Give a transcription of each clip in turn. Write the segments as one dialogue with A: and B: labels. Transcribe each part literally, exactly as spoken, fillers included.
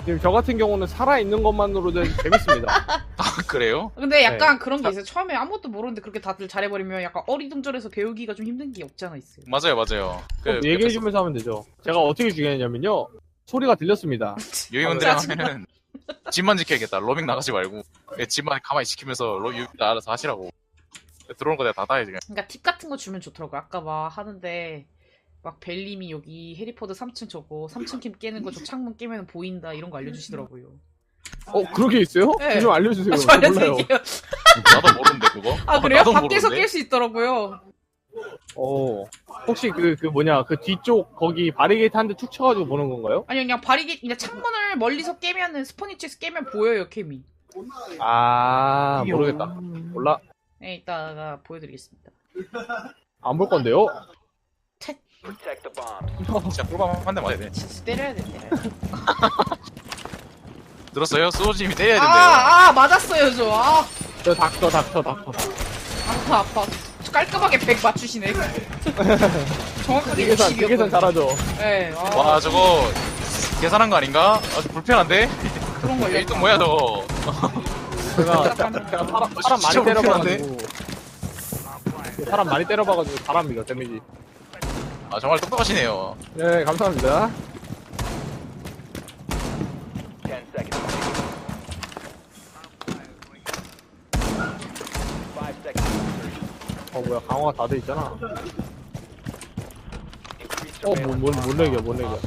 A: 지금 저 같은 경우는 살아있는 것만으로도 재밌습니다.
B: 아 그래요?
C: 근데 약간
A: 네.
C: 그런 게 있어요. 처음에 아무것도 모르는데 그렇게 다들 잘해버리면 약간 어리둥절해서 배우기가 좀 힘든 게 없지 않아 있어요.
B: 맞아요 맞아요. 그
A: 얘기해주면서 하면 되죠. 제가 어떻게 죽였냐면요. 소리가 들렸습니다.
B: 유이원들이
C: 짜증나.
B: 하면은 집만 지켜야겠다. 로밍 나가지 말고 예, 집만 가만히 지키면서 로 유이원들 알아서 하시라고. 들어오는 거 내가 다 따야지 그냥.
C: 그러니까 팁 같은 거 주면 좋더라고. 아까 막 하는데 막 벨님이 여기 해리포드 삼 층 저거 삼 층 캠 깨는 거 저 창문 깨면 보인다 이런 거 알려주시더라고요.
A: 어, 그렇게 있어요?
C: 네.
A: 좀 알려주세요.
C: 아, 저
A: 저 몰라요.
C: 알려드릴게요.
B: 나도 모르는데 그거.
C: 아
B: 어,
C: 그래요?
B: 나도
C: 밖에서
B: 모르는데?
C: 깰 수 있더라고요.
A: 어, 혹시 그, 그 뭐냐, 그 뒤쪽 거기 바리게이트 한 대 툭 쳐가지고 보는 건가요?
C: 아니 그냥 바리게 그냥 창문을 멀리서 깨면은 스포니치에서 깨면 보여요 캠이.
A: 아, 모르겠다. 몰라.
C: 네 이따가 보여드리겠습니다.
A: 안 볼 건데요?
B: 진짜 꿀밤 한 대 맞아야 돼.
C: 진짜 때려야 돼 때려야 돼.
B: 들었어요? 소호님이 때려야 된대요.
C: 아아 맞았어요 저. 아
A: 저 닥터, 닥터, 닥터.
C: 아파 아파. 깔끔하게 백 맞추시네. 정확하게
A: 계산, 그 계산
C: 육십이었거든요.
A: 잘하죠.
C: 네. 아,
B: 와 저거 계산한 거 아닌가? 아주 불편한데?
C: 그런 거
B: 일 등 뭐야 저거?
A: 제가, 제가 사람, 사람 많이
B: 진짜
A: 때려봐가지고. 사람 많이 때려봐가지고 잘합니다, 데미지.
B: 아 정말 똑똑하시네요.
A: 네, 감사합니다. 어, 뭐야, 강화가 다 돼 있잖아. 어, 뭐, 못, 못 내겨, 못 내겨.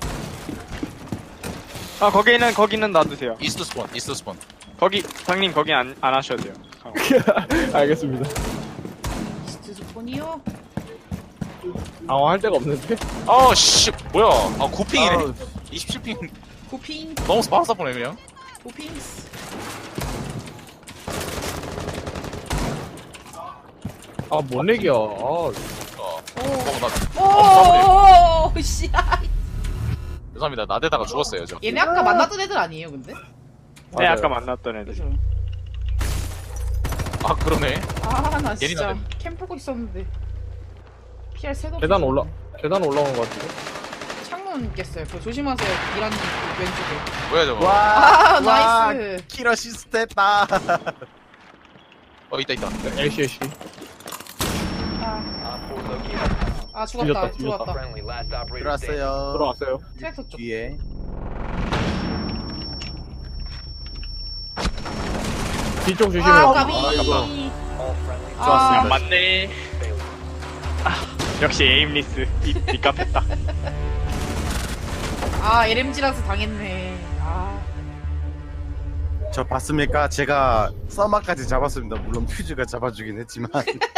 D: 아 거기는 거기는 놔두세요.
B: 이스트 스폰, 이스트 스폰.
D: 거기 장님 거기 안, 안 하셔도 돼요.
A: 알겠습니다.
C: 스트 스폰이요?
A: 강화할 데가 없는데?
B: 아 씨, 뭐야? 아 구핑이네.
A: 아우,
B: 이십칠 핑.
C: 고핑
B: 너무 스파스 보네 그냥.
C: 고핑스.
A: 아, 못 내겨. 아,
B: 어, 어, 나
C: 오, 오, 씨.
B: 죄송합니다. 나대다가 죽었어요 저.
C: 얘네 아까 만났던 애들 아니에요, 근데?
D: 네
A: 맞아요.
D: 아까 만났던 애들.
C: 그죠?
B: 아 그러네.
C: 아, 나 진짜
B: 예린하네.
C: 캠 보고 있었는데 피알 새도
A: 계단 올라, 계단 올라온 것 같은데?
C: 창문 깼어요. 그거 조심하세요. 이란님 왼쪽에.
B: 뭐야 저거?
C: 아, 나이스.
E: 키러 시스템다.
B: 어 있다 있다.
A: 애쉬, 애쉬.
C: 아, 아 죽었다.
A: 뒤졌다,
C: 죽었다.
E: 들어왔어요.
A: 들어왔어요.
C: 트랙터 쪽.
E: 뒤에.
A: 뒤쪽 조심해요.
C: 아, 까비.
D: 아,
C: 아,
D: 맞네. 아, 역시 에임리스 이 삐깝했다.
C: 아, 엘엠지라서 당했네. 아,
E: 저 봤습니까? 제가 서마까지 잡았습니다. 물론 퓨즈가 잡아주긴 했지만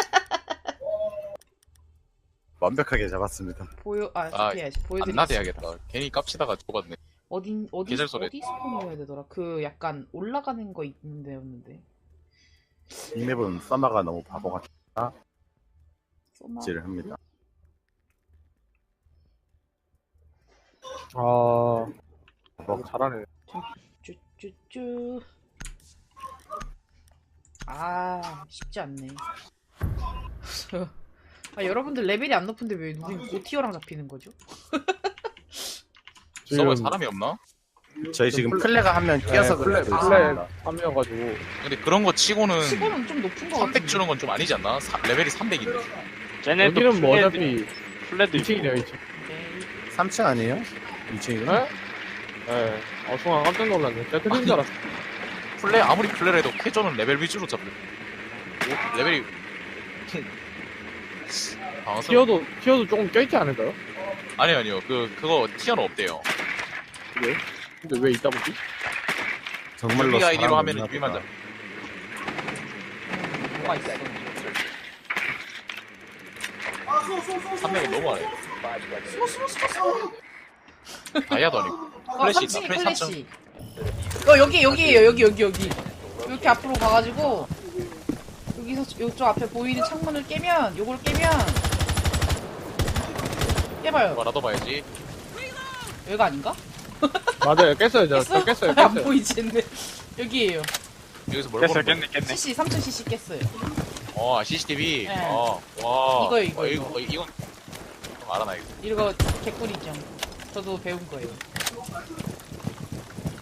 E: 완벽하게 잡았습니다.
C: 보여, 아,
B: 아,
C: 피해야지.
B: 안
C: 보여드리겠습니다.
B: 나대야겠다. 괜히 깝치다가 죽었네.
C: 어딘, 어디,
B: 계절 소리.
C: 어디 스폰을 해야 되더라? 그 약간 올라가는 거 있는데였는데.
E: 이 맵은 서마가 너무 바보같이
C: 써마.
E: 질을 합니다.
A: 아, 너무 잘하네.
C: 쭈쭈쭈. 아, 쉽지 않네. 아, 여러분들 레벨이 안 높은데 왜 누군 고티어랑 잡히는 거죠?
B: 서버에 사람이 없나?
E: 저희 지금 플레가 한 명 끼어서
A: 네, 플레,
E: 그래요.
A: 플레 함이어가지고.
B: 근데 그런 거 치고는
C: 치고는 좀 높은 거
B: 삼백
C: 같은데.
B: 주는 건 좀 아니지 않나? 사- 레벨이 삼백인데.
D: 쟤네도
A: 여기는 뭐
D: 플레드-
A: 어차피
D: 플레드
A: 이 층이네요, 이 층.
C: 오케이.
E: 삼 층 아니에요? 이 층이요?
A: 네? 네. 어, 순간 깜짝 놀랐네. 제가 틀린 줄 알았어.
B: 플레 아무리 플레를 해도 캐저는 레벨 위주로 잡혀. 오, 레벨이 당황스러워.
A: 티어도, 티어도 조금 껴있지 않을까요?
B: 아니요 아니요. 그 그거 티어는 없대요.
A: 왜? 근데 왜 있다 보지?
E: 정말로
B: 유비 아이디로
E: 사람
B: 하면은
E: 없나
B: 유비만
E: 보다.
B: 잡혀.
C: 뭐가 있어?
B: 삼 명은 너무하네.
C: 숨어 숨어 숨어 숨어.
B: 다이아도 아니고.
C: 아,
B: 플래시
C: 삼 층에
B: 있다. 플래시 삼 층.
C: 플래시. 어, 여기 여기에요. 여기 여기 여기. 이렇게 앞으로 가가지고 여기서 이쪽 앞에 보이는 창문을 깨면 요걸 깨면 깨봐요.
B: 뭐 나도 봐야지.
C: 여기가 아닌가?
A: 맞아요. 깼어요, 저. 저 깼어요,
C: 안
A: 깼어요.
C: 보이지 근데 여기에요.
B: 여기서 뭘
D: 깼어
B: 보는 거야?
D: 깼네 깼네.
C: 씨씨 삼 층 씨씨 깼어요.
B: 어 씨씨티비.
C: 네.
B: 어, 와.
C: 이거요, 이거,
B: 어,
C: 이거.
B: 이거 이건 좀 알아놔야겠다.
C: 이거 개꿀이죠. 저도 배운 거예요.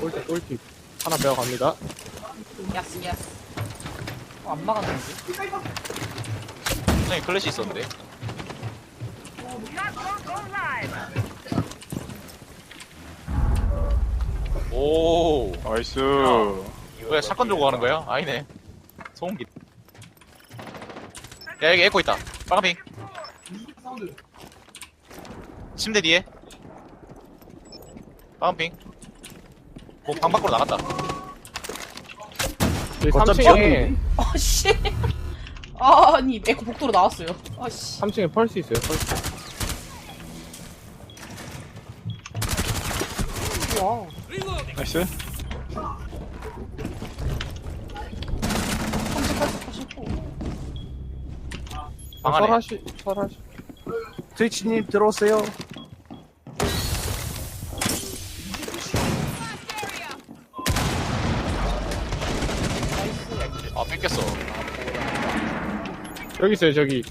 A: 꿀팁, 꿀팁. 하나 배워갑니다.
C: 야스 야스. 어, 안 막았는데.
B: 굉장히 클래시 있었는데. 오,
D: 나이스.
B: 왜 사건 들고 가는 거야? 아니네. 소음기. 야, 여기 에코 있다. 빨간핑. 침대 뒤에. 빨간핑. 뭐, 방 밖으로 나갔다.
A: 여기
E: 거점
A: 삼 층에,
C: 아 씨. 아, 아니 에코 복도로 나왔어요. 아 씨.
A: 삼 층에 펄스 있어요, 펄스.
C: 와우.
D: 나이스.
C: 삼십팔십팔십오.
B: 방 안에.
A: 설하시, 설하시.
E: 트위치님 들어오세요.
B: 아, 뺏겼어.
A: 여기 있어요, 저기.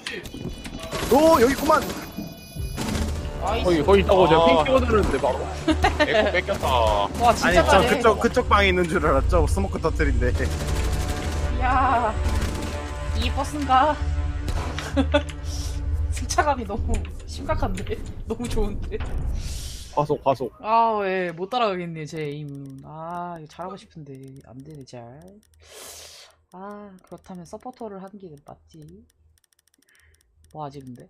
E: 오 여기 있구만.
C: 나이스.
A: 거기, 거기 있다고 제가
B: 아.
A: 핑 찍어드렸는데, 바로.
B: 에코 뺏겼다.
C: 와
E: 아니
C: 진짜
E: 저
C: 잘해.
E: 그쪽 그쪽 방에 있는 줄 알았죠. 스모크 터트린데.
C: 야, 이 버스인가? 승차감이 너무 심각한데? 너무 좋은데?
A: 과속, 과속.
C: 아, 왜, 못 따라가겠네, 제 에임은. 아, 이거 잘하고 싶은데, 안 되네, 잘. 아, 그렇다면 서포터를 하는 게 맞지. 뭐 하지, 근데?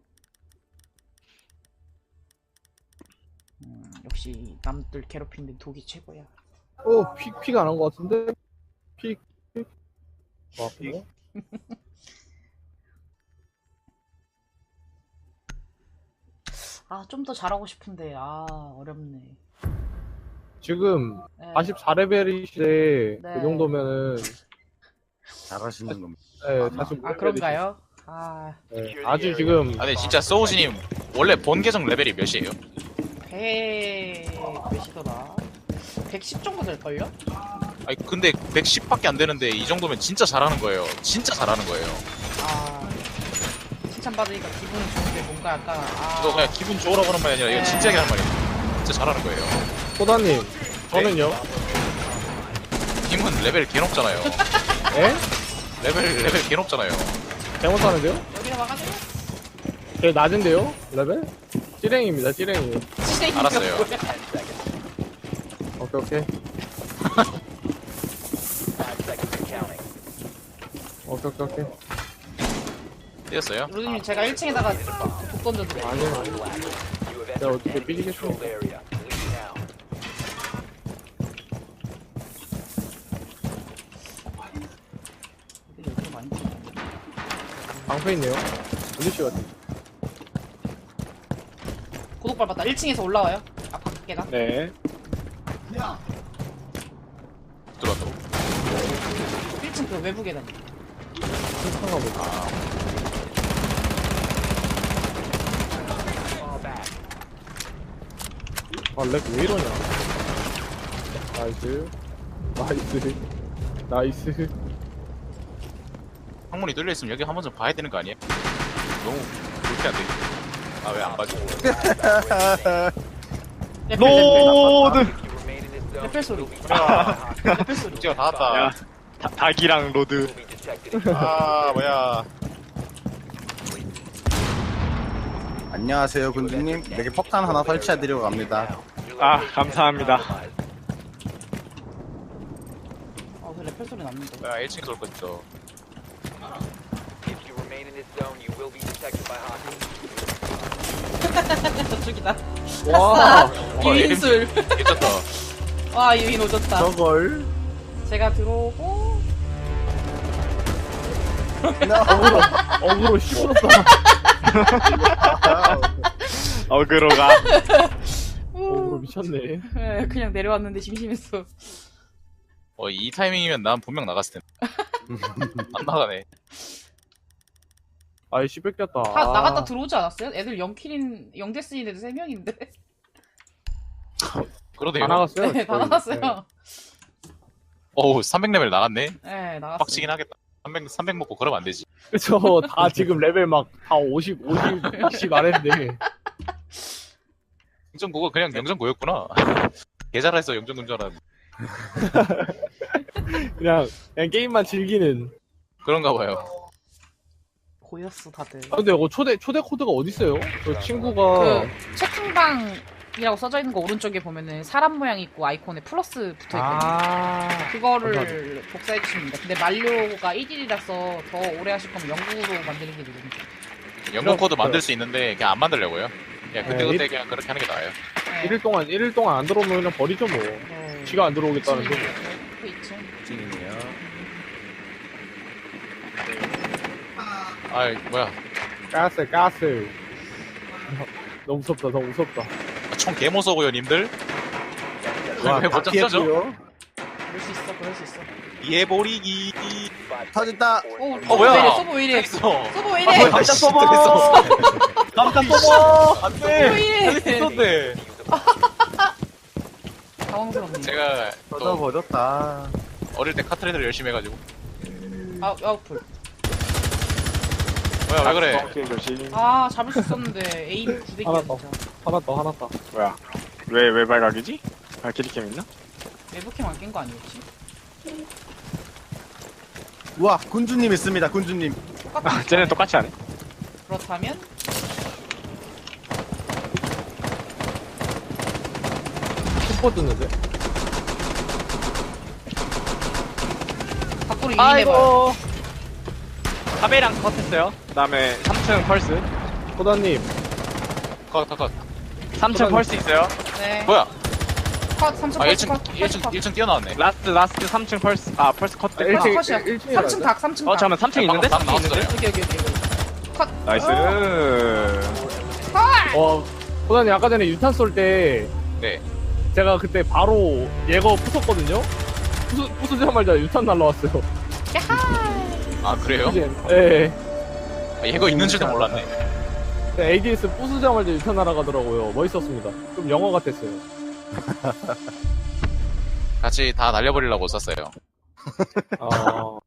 C: 음, 역시, 남들 괴롭히는 독이 최고야.
A: 어, 픽, 픽 안 한 것 같은데? 픽, 픽. 와, 픽.
C: 아, 좀 더 잘하고 싶은데, 아, 어렵네.
A: 지금
C: 네.
A: 사십사 레벨이시대.
C: 네.
A: 그 정도면은,
E: 잘하시는 겁니다.
A: 네, 사십오
C: 아, 그런가요? 아,
A: 네, 아주 지금,
B: 아니, 진짜 소우지님, 원래 본 계정 레벨이 몇이에요?
C: 백, 몇이더라? 백십 정도 될걸요?
B: 아니, 근데 백십밖에 안 되는데, 이 정도면 진짜 잘하는 거예요. 진짜 잘하는 거예요.
C: 아, 칭찬받으니까 기분이 좋은데 뭔가 약간, 아.
B: 이거 그냥 기분 좋으라고 하는 말이 아니라, 이거
C: 네.
B: 진지하게 하는 말이에요. 진짜 잘하는 거예요.
A: 소다님, 저는요?
B: 님은 레벨 개 높잖아요.
A: 예?
B: 레벨, 레벨 개 높잖아요.
A: 잘못하는데요?
C: 여기다 막아줘요?
A: 되게 낮은데요? 레벨? 찌랭입니다, 찌랭이.
C: 찌랭이가
B: 알았어요.
C: 뭐야?
A: 오케이, 오케이. 오케이, 오케이, 오케이.
B: 뛰었어요?
C: 로드님 제가 일 층에다가 독 던져드려요.
A: 아니요, 아니요. 내가 어떻게 삐지겠습니까?
C: 애들이 여기로 많이 들어오네.
A: 방패 있네요. 올리시 같은.
C: 고독 밟았다. 일 층에서 올라와요. 아, 밖에가.
D: 네.
B: 들어왔다고.
C: 일 층 그 외부 계단.
A: 괜찮아 보다. 아, 렉 왜 이러냐. 나이스. 나이스. 나이스.
B: 창문이 뚫려있으면 여기 한 번 좀 봐야 되는 거 아니에요? 너무 그렇게 안 돼. 아, 왜 안 봐줘?
C: 레펠, 레펠.
D: 로드.
C: 레펠 소리.
D: 아,
C: 레펠 소리.
B: 문제가 다 왔다.
D: 야, 다, 닭이랑 로드.
B: 아, 뭐야.
E: 안녕하세요 군주님. 내게 폭탄 하나 설치해드리고 갑니다.
D: 아, 감사합니다.
C: 아, 그 레펠 소리 났는데.
B: 뭐야, 일 층에서 올 거죠.
C: 저쪽이다.
A: 와.
C: 유인술.
B: 괜찮다.
C: 와, 유인 오졌다.
E: 저걸.
C: 제가 들어오고.
A: 어그로, 어그로 씹었다.
D: 어그로가.
A: 어그로 미쳤네.
C: 예, 그냥 내려왔는데 심심했어.
B: 어, 이 타이밍이면 난 분명 나갔을 텐데. 안 나가네.
A: 아이씨, 뺏겼다.
C: 다
A: 아.
C: 나갔다 들어오지 않았어요? 애들 영 킬인, 영 데스인 애들 세 명인데.
B: 그러네요.
A: 다 나갔어요?
C: 네, 다
A: 거의.
C: 나갔어요.
A: 네.
B: 어우, 삼백 레벨 나갔네.
C: 네, 나갔어요.
B: 빡치긴 하겠다. 삼백, 삼백 먹고 그러면 안 되지.
A: 그쵸. 다 지금 레벨 막 다 오십, 오십, 육십 아래인데.
B: 영전고가 그냥 영전고였구나. 개 잘했어 영전운전은.
A: 그냥 그냥 게임만 즐기는.
B: 그런가 봐요.
C: 보였어 다들.
A: 아, 근데 이거 초대 초대 코드가 어디 있어요? 저 친구가
C: 그 채팅방이라고 써져 있는 거 오른쪽에 보면은 사람 모양 있고 아이콘에 플러스 붙어 있거든요.
A: 아
C: 그거를 복사해 주시면 됩니다. 근데 만료가 일 일이라서 더 오래 하실 거면 영구로 만드는 게 되거든요.
B: 영문 코드 만들 수 있는데 그냥 안 만들려고요. 그냥 그때
A: 네,
B: 그때 그냥 그렇게 하는 게 나아요.
C: 네.
A: 일 일 동안 일 일 동안 안 들어오면 그냥 버리죠 뭐.
C: 네.
A: 지가 안 들어오겠다는데.
C: 그 있죠.
E: 찡이네요.
B: 아 뭐야?
A: 가스 가스. 너무 무섭다 너무 무섭다.
B: 총 개못 쏘고요 님들.
E: 와,
B: 왜못
E: 다
B: 잡죠?
E: 피했고요.
C: 그럴 수 있어, 그럴 수 있어.
B: 이해버리기.
E: 터졌다.
C: 오,
B: 어 뭐야?
C: 서브 왜 이래?
B: 있어.
C: 서브 왜 이래?
B: 깜짝 써버. 깜짝 써버. 안돼.
C: 서브 왜 이래?
B: 있었네.
C: 당황스럽네.
B: 제가
E: 터져
B: 또
E: 버렸다.
B: 어릴 때 카트레이더를 열심히 해가지고.
C: 아, 아웃풀.
B: 뭐야 왜 그래?
D: 오케이, 조심.
C: 아, 잡을 수 있었는데 에임 구대기야
A: 하나 더.
C: 진짜.
A: 하나 더 하나 더.
D: 뭐야? 왜, 왜 발각이지? 발키리캠 있나?
C: 외부캠 안 깬 거 아니었지?
E: 우와 군주님 있습니다 군주님.
C: 똑같은
D: 아, 쟤네 똑같이 하네.
C: 그렇다면
A: 슈퍼 뜨는데.
C: 밖으로 유인해봐요.
D: 카베랑 컷했어요. 그 다음에 삼 층 펄스.
A: 호다님
B: 컷, 컷, 컷.
D: 삼 층
A: 그다음-
D: 펄스 있어요.
C: 네.
B: 뭐야?
C: 컷, 삼 층
B: 아
C: 컷,
B: 일 층
C: 컷,
B: 일 층
C: 컷,
B: 일 층 뛰어나왔네.
D: 라스트, 라스트 삼 층 펄스. 아, 펄스 컷.
A: 아, 일 층.
C: 컷, 컷이야.
A: 일 층이라
C: 삼 층
A: 그래?
C: 닭, 삼 층
D: 어,
C: 닭.
D: 잠깐만, 삼 층 있는데?
B: 방금
D: 삼 층
B: 나왔어,
D: 있는데?
C: 여기, 여기, 여기, 여기. 컷.
D: 나이스.
A: 어 호다님 아까 전에 유탄 쏠 때
B: 네.
A: 제가 그때 바로 예거 부쉈거든요. 부수 부수자마자 유탄 날라왔어요.
C: 야하.
B: 아 그래요?
A: 예.
B: 아, 얘가 있는 줄도 몰랐네.
A: 에이디에스 부수자마자 유탄 날아가더라고요. 멋있었습니다. 좀 영어 같았어요.
B: 같이 다 날려버리려고 썼어요.
A: 어.